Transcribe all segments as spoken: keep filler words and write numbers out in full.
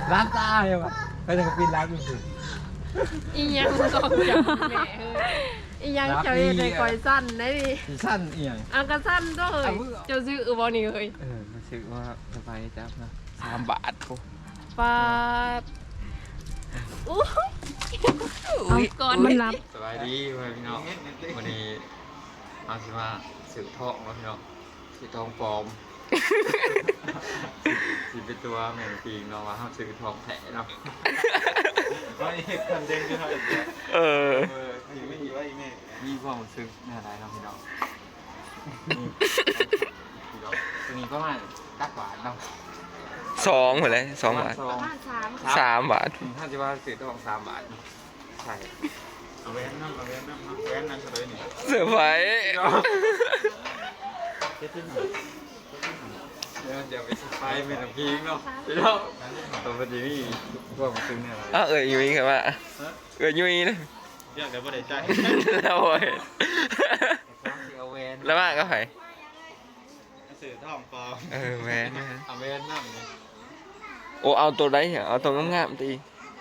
ร้านตาเลยวะไปทางปีนร้านอยู่สิอีหยังก็จับแม่เอ้ยอีหยังเจ้าเฮ็ดให้คอยสั้นได้ดิสั้นเอียงอันก็สั้นก็เฮ้ยเจ้าซื้อบ่นี่เฮ้ยเออมาซื้อว่าสบายจับนะสามบาทโอ้ปาดอู้เอาก่อนมันรับสบายดีพี่น้องวันนี้เอาสิมาซื้อทองมาพี่น้องซื้อทองปลอมสิเป็นตัวแมงปีงเนาะว่าเขาซื้อทองแท้เนาะว่าอีกคนเด้งก็เท่าไหร่เออมีไม่มีว่าอีแม่มีความรู้สึกอะไรเนาะพี่น้องตัวนี้ประมาณตักบาทเนาะสองหมดเลยสองบาทสองสามสามบาทถ้าจะว่าซื้อทองสามบาทใช่เอาแว่นน้ำเอาแว่นน้ำเอาแว่นนั่นเลยนี่เสือไฟเจ็ดที่หนึ่งเดี๋ยวเดี๋ยวไปไปเป็นน้ำพิงเนาะพี่น้องตัวพอดีนี่พวกมันซึ้งเนี่ยอะไรอ้าวเอ๋ยยุ้ยครับว่าเอ๋ยยุ้ยนะเรียกแต่บ่ได้ใจแล้วโอ้ยเอาเวนแล้วมาก็ไผ่สื่อท่องปลอมเออแมนเอาเวนนั่งนี่โอ้เอาตัวไหนเหรอเอาตัวงามๆตี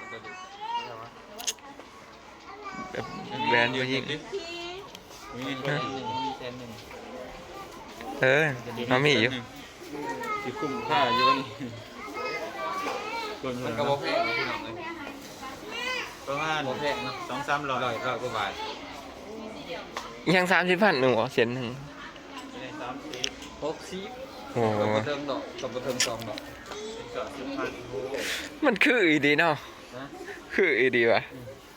แบบแบรนด์ไปยิงมีเซนหนึ่งมีเซนหนึ่งเออมามีอยู่ที่คุ้มค่าอยู่นี่คนมันกระบอกแพงพี่น้องเลยประมาณกระบอกแพงเนาะสองสามร้อยร้อยร้อยกว่าบาทยังสามสิบพันหนึ่งเหรอเสียนหนึ่งสามสิบหกสิบโอ้กับกระเทิงดอกกับกระเทิงสองดอกเกือบสิบพันโอ้มันคืออีดีเนาะนะคืออีดีว่ะ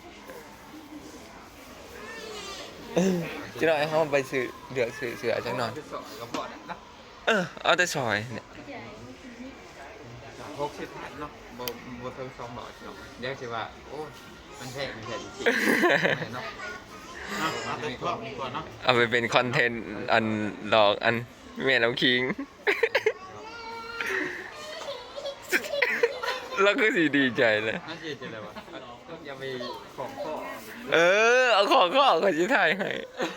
จะหน่อยเขาไปซื้อเดือกซื้อเสือจังหน่อยสองกระเพาะนะเออเอาแต่ซอยเนี่ยหกสิบพันเนาะบ่บ่เทิงสองดอกเนาะเดี๋ยวสิว่าโอ้มันแพงมันแพงจริงๆเนาะเอาเอาแต่กล่องดีกว่าเนาะเอาไปเป็นคอนเทนต์อันหลอกอันแม่น้ำคิง แล้วก็สีดีใจเลยน่าจะเจออะไรวะอย่าไปของข้อเออ เอาของก็เอาขอชิถ่ายให้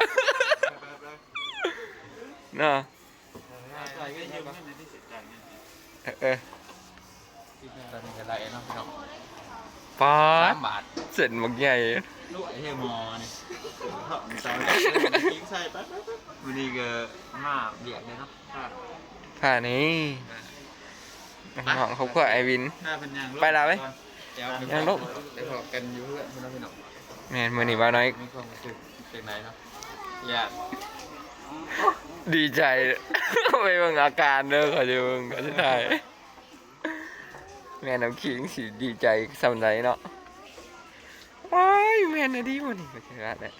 เนาะใส่ก็ยืยืมมให้ในที่เสร็จกันเนี่ยเออที่ตอนนี้จะได้เนาะพี่น้องป๊าสาดมบาทเสร็จหมกใหญ่ลูกไอ้เฮมอนี่ท่องสาวทิ้งใส่ไปไปไปวันนี้ก็มาเบียดเลยเนาะผ่านี้น้องเขาก็ไอวินถ้าเป็นยางไปละเว้ยเดี๋ยวยังลูกไปพบกันอยู่เพื่อนพี่น้องพี่น้องแม่นมือนี่ว่าน้อยมีความรู้สึกเป็นไงเนาะอยากดีใจ ไปเบิ่งอาการเด้อเขาจะเบิ่งเขาจะถ่ายแม่น้ำคิงสิดีใจสำไรเนาะว้ายแม่น่ะดีหมดนี่ก็จะรัดแหละ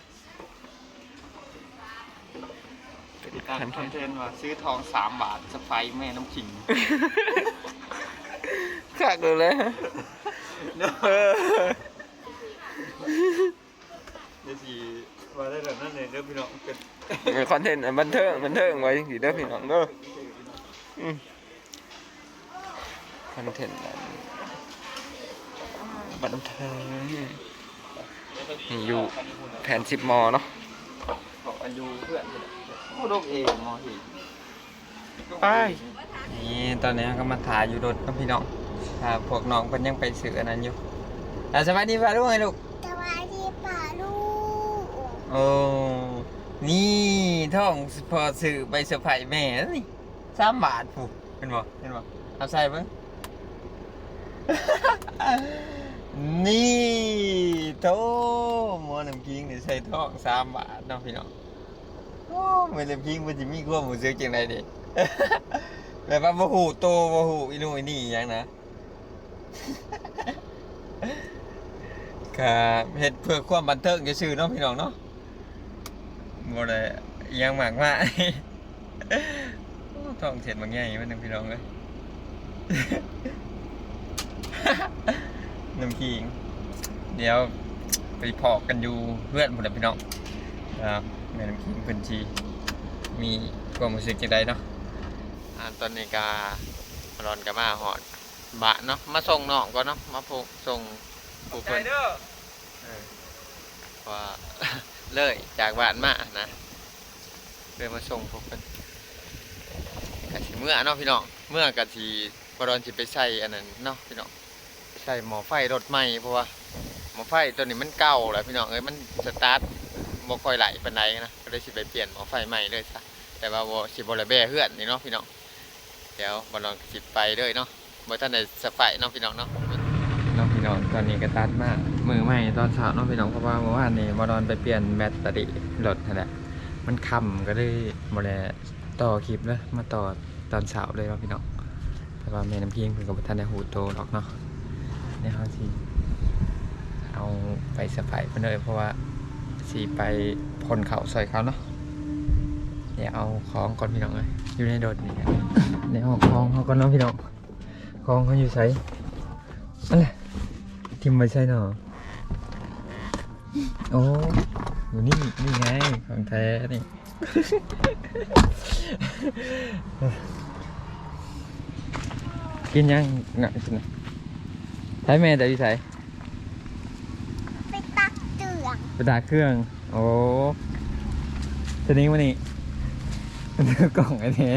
ตั้งคอนเทนต์ว่าซื้อทองสามบาทสไปแม่น้ำขิงคักเลยเลยเออเดี๋ยวสิว่าได้แบบนั้นเลยเด้อพี่น้องเป็นคอนเทนต์บันเทิงบันเทิงไว้สิเด้อพี่น้องเด้ออืมคอนเทนต์บันเทิงนี่อยู่แผนสิบมอเนาะของอายุเพื่อนโอ้โดกเองมอหิไปนี่ตอนนี้ก็มาถ่ายอยู่รถกับพี่น้องถ้าพวกน้องเพิ่นยังไปซื้ออันนั้นอยู่อ่ะสวัสดีป่ะลูกไงลูกสวัสดีป่าลูกโอ้นี่ท่องพอซื้อไปเซอร์ไพรส์แม่แล้วนี่สามบาทผูกเป็นบ่เป็นบ่เอาใส่เบิ่ง นี่โตหมอน้ำกิ้งนี่ใส่ท่องสามบาทเนาะพี่น้องโอ้หมอน้ำกิ้งมันจะมีความรู้สึกจังไดดิ แบบว่าบ่ฮู้โตบ่ฮู้อีนู่นอีนี่หยังนะ ก็เฮ็ดเพื่อความบันเทิงซื่อๆเนาะพี่น้องเนาะบ่ได้อิหยังมากมาย โอ้ท้องเสียดบางใหญ่มันนึงพี่น้องเอ้ย น้ำขิงเดี๋ยวไปพอกันอยู่เพื่อนพุ่นน่ะพี่น้องครับแม่น้ำขิงเพิ่นสิมีความรู้สึกจังไดเนาะอ่าตอนนี้ก็ร้อนก็มาฮอดบะเนาะมาส่งน้องก่อนเนาะมาพกส่งผู้เพิ่นเออว่า เลยจากบ้านมานะเลยมาส่งพวกเพิ่นกะสิเมื่อเนาะพี่น้องเมื่อกะสิบ่ร้อนสิไปใส่อันนั้นเนาะพี่น้องใส่หม้อไฟรถใหม่เพราะว่าหม้อไฟตัวนี้มันเก่าแล้วพี่น้องเอ้ยมันสตาร์ทบ่ค่อยไหลปานใดนะก็เลยสิไปเปลี่ยนหม้อไฟใหม่เลยซะแต่ว่าบ่สิบ่ได้แบ่เฮือนนี่เนาะพี่น้องเดี๋ยวบ่ลองสิไปเลยเนาะบ่ทันได้สไปเนาะพี่น้องเนาะน้องพี่น้องตอนนี้ก็ตัดมามือใหม่ตอนเช้าเนาะพี่น้องเพราะว่าเมื่อวานนี้บ่นอนไปเปลี่ยนแบตเตอรี่รถนั่นแหละมันค่ำก็เลยบ่ได้ต่อคลิปเลยมาต่อตอนเช้าเลยเนาะพี่น้องแต่ว่าแม่น้ำพิงเพิ่นก็บ่ทันได้ฮู้โตหรอกเนาะเดี๋ยวเฮาสิเอาไปสไปเพิ่นเลยเพราะว่าสิไปพ่นเขาซอยเขาเนาะเดี๋ยวเอาของก่อนพี่น้องเอ้ยอยู่ในรถนี่เดี๋ยวเอาของเฮาก่อนเนาะพี่น้องของเขาอยู่ไสนั่นแหละทิมไว้ใส่เนาะโอ้อยู่นี่นี่ไงของแท้นี่ กินยังงะกินนะใช้แม่แต่ที่ใช้ไปตักเตืองไปด่าเครื่อง โอ้ทีนี้วันนี้เนื้อกล่องไอ้เนี่ย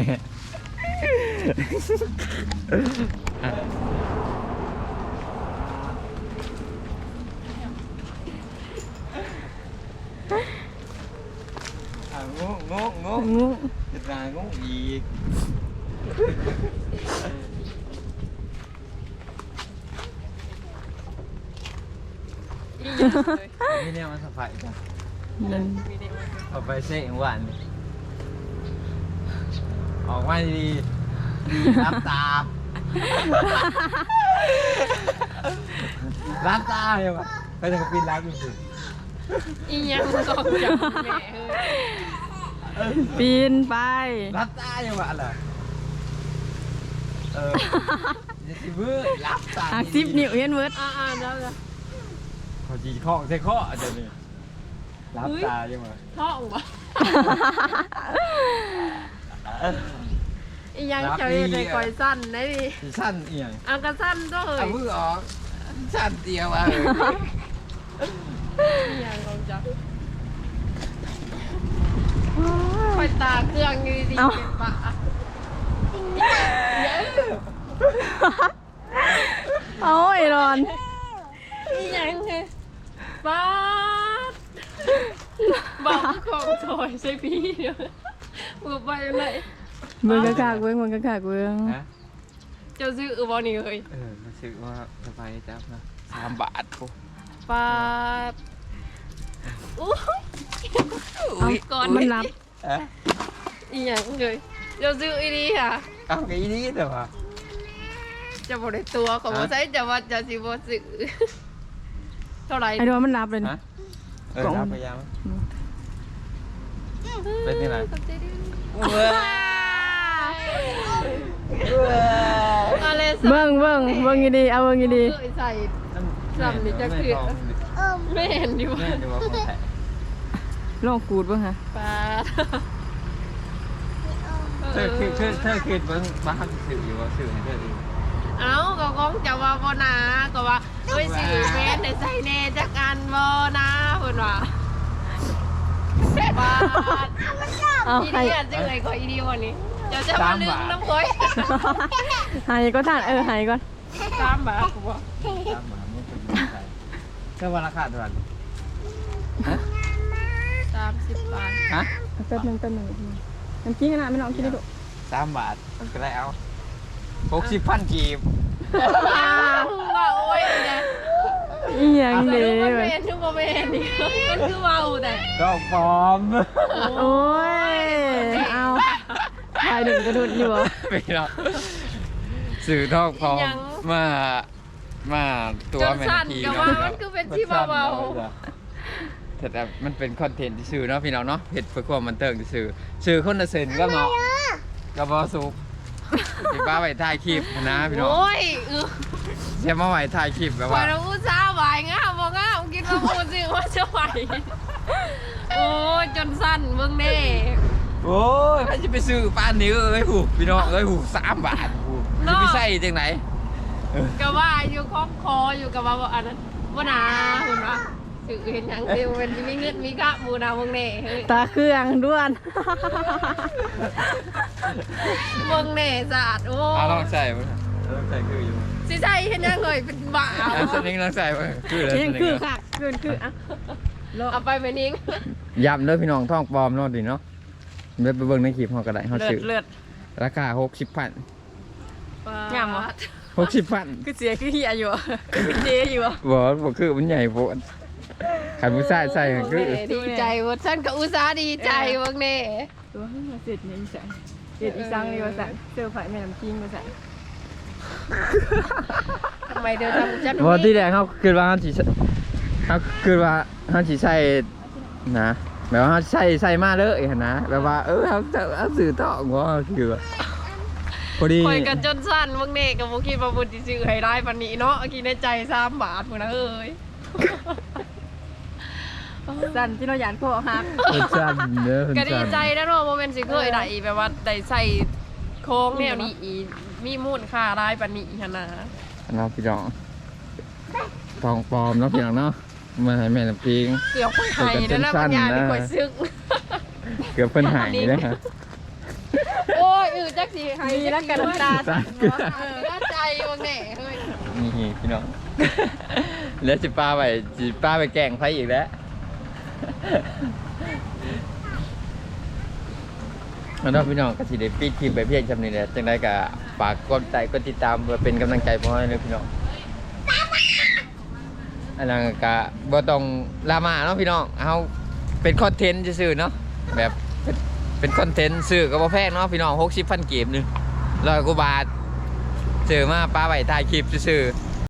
อ่ะอ่ะงงงงงงจะด่างงอีกอีหยังเลยนี่เนี่ยมันสบายจ้ะนั่นมีเด็กมาเอาไปเซ็งหวานออกมาดีรับตารับตาเลยวะก็จะปีนรับอยู่สิอีหยังสองอย่างแม่เฮ้ยปีนไปรับตาอยู่วะล่ะเออจะสิบื้อรับตาหักสิบนิ้วเห็นเวิร์ดอ่าๆแล้วจ้ะเขาจีข้อใส่ข้ออาจจะนี่รับตาอยู่วะท้องบ่อีหยังเจ้าเฮ็ดให้ข่อยสั้นได้ดิสีสั้นเอียงเอากระสั้นก็เฮ้เอายมือออกสั้นเดียววะอีหยังของจ้ะข่อยตาเครื่องอยู่ดีๆเก็บปะเอาไอ้รอนอีหยังเฮ้ยป๊าดบอกของถอยใส่พี่เด้อบ่ไปเลยเบิ่งกะกากเบิ่งเบิ่งกะกากเบิ่งฮะเจ้าซื้อบ่นี่เฮ้ยเออรู้สึกว่าสบายจังนะสามบาทปุ๊ปาดอุ้ยเอาก่อนมันรับเอ๊ะอีหยังเลยเจ้าซื้ออีนี่ค่ะเอาไงนี้เดี๋ยววะจะบ่ได้ตัวของบ่ใช้จะว่าจะสิบ่ซื้อเท่าไหร่ไอ้รอนมันรับเลยฮะนี่เออรับไปยังเป็นยังไงขอบใจด้วยว้าอะไรเบิ่งเบิ่งเบิ่งดีๆเอาเบิ่งดีเคยใส่ จำนี่จะคือเอิ่มไม่เห็นดิแม่ว่าดูว่าของแท้ๆลองกูดเบิ่งฮะปาดเธอคือเธอเธอคือบ้านบ้านสื่ออยู่ว่าสื่อให้เธอดูเอ้าก็คงจะว่าบ่นะก็ว่าเอ้ยสิแม่นได้ใส่แน่จักอันบ่นะเพิ่นว่าปาดเอาอีให้นี่อ่ะจังได๋ก็อีนี่วันนี้เดี๋ยวจะมาลืมน้ำข่อยให้ก็ทานเออให้ก่อนตามบากูบ่ตามหมาไม่เป็นไรเธอวันราคาเท่าไหร่ฮะสามสิบบาทฮะแป๊บนึงแป๊บนึงน้ำจิ้มกันนะไม่น้องกินได้ดุสามบาทก็ได้เอาหกสิบพันกีบว่าโอ้ยเนี่ยอีหยังทุเด้กโมเมนทุกโมเมนนี่มันคือเว้าแต่ก็ปลอมโอ้ยเอาถ่ายหนึ่งกระดุดอยู่บ่ไปเนาะสื่อทอกพร้อมมามาตัวจนแม่สั่นทีก็เนาะว่ามันคือเป็นที่เบาแต่แต่มันเป็นคอนเทนต์ที่สื่อเนาะพี่น้องเนาะเห็ดเพื่อความบันเทิงที่สื่อสื่อคนละเซนก็เนาะก็บอสุกพี่ป้าไว้ถ่ายคลิปนะๆพี่น้องโอ้ยเออเชื่อมาไว้ถ่ายคลิปแบบข่อว่ายเราอุตส่าห์ไหวง่ามบ่ง่ามกินมาพูดสิว่าจะไหวโอ้ยจนสั่นเบิ่งแน่โอ้ยใครจะไปซื้อป้านนี้เอ้ยหูพี่น้องเอ้ยหูสามบาทหูจะไปใส่จังไหนก็ว่าอยู่คล้องคออยู่กับว่าอันนั้นว่านาคุณว่าสื่อเห็นหยังเดียวเป็นมีเงืดมีกะมูนาเบิ่งแน่เฮ้ยตาเครื่องด้วนเบิ่งแน่สะอาดโอ้เอาลองใส่มั้ยลองใส่คืออยู่สิสิใส่เห็นยังเลยเป็นบ้าอ่ะสนิงลองใส่มาคือแล้วยังคือค่ะคือคืออ่ะเอาไปไปนิ้งย้ำเด้อพี่น้องท้องปลอมเนาะดิเนาะเดี๋ยวไปเบิ่งในคลิปเฮาก็ได้เฮาเลือซื้ดอเลือดราคาหกสิบพันงามวะหกสิบพันคือเสียคือเฮียอยู่คือเจอยู่บ่บ่คือมันใหญ่โพดคันผู้ชายใส่ก็คือดีใจเว่าฉันก็อุตส่าห์ดีใจเว่าแน่ตัวเฮ้ยมาเสร็จเนี่ยอีสังเสร็จอีสังเลยว่าสังเซอร์ไพรส์แม่น้ำจิ้งว่าสังทำไมเดินทำฉันบ่ที่แรกเฮาคิดว่าเฮาสิเฮาคิดว่าเฮาสิใส่นะแบบว่าเฮาใส่ใส่มาเลยหั่นนะแบบว่าเออเฮาจะเอาซื้อต่อบ่คือว่าพอดีคอยกันจนสั้นเว่าแน่กับบุคิดว่าบุญที่ซื้อให้ได้ปันนี้เนาะกินในใจสามบาทพุ่นนะเอ้ยสันที่เราหยานพวกฮักเพิ่นสั่นเด้อเพิ่นก็ดีสั่นใจนะเนาะโมเมนต์สิเคยได้แบบว่าได้ใส่โค้งแนวนี้อีมีมูลค่าได้ปันนี้หั่นนะเนาะพี่น้องทองปลอมเนาะพี่น้องเนาะมาให้แม่น้ำพิงเกือบคนไทยแล้วนะบางอย่างนี่คอยซึ้งเกือบเพิ่นหายเลยฮะโอ้ยอือจักสิให้มีแล้วกันน้ำตาตาเกลือเออน่าใจเว่าแน่เฮ้ยนี่พี่น้อง แล้วสิป้าไปสิป้าไปแกล้งไผอีกแล้วแล้วเนาะพี่น้องก็สิได้ปิดคลิปไปเพียงจำนี้แหละจังได๋ก็ฝากกดไลค์กดติดตามเพื่อเป็นกำลังใจให้เลยพี่น้องอันนั้นก็บ่ต้องดราม่าเนาะพี่น้องเอาเป็นคอนเทนต์ซื่อๆเนาะแบบเป็นเป็นคอนเทนต์ซื้อก็บ่แพงเนาะพี่น้องหกสิบพันกีบหนึงร้อยกว่าบาทซื้อมาป้าไว้ถ่ายคลิปซื่อๆ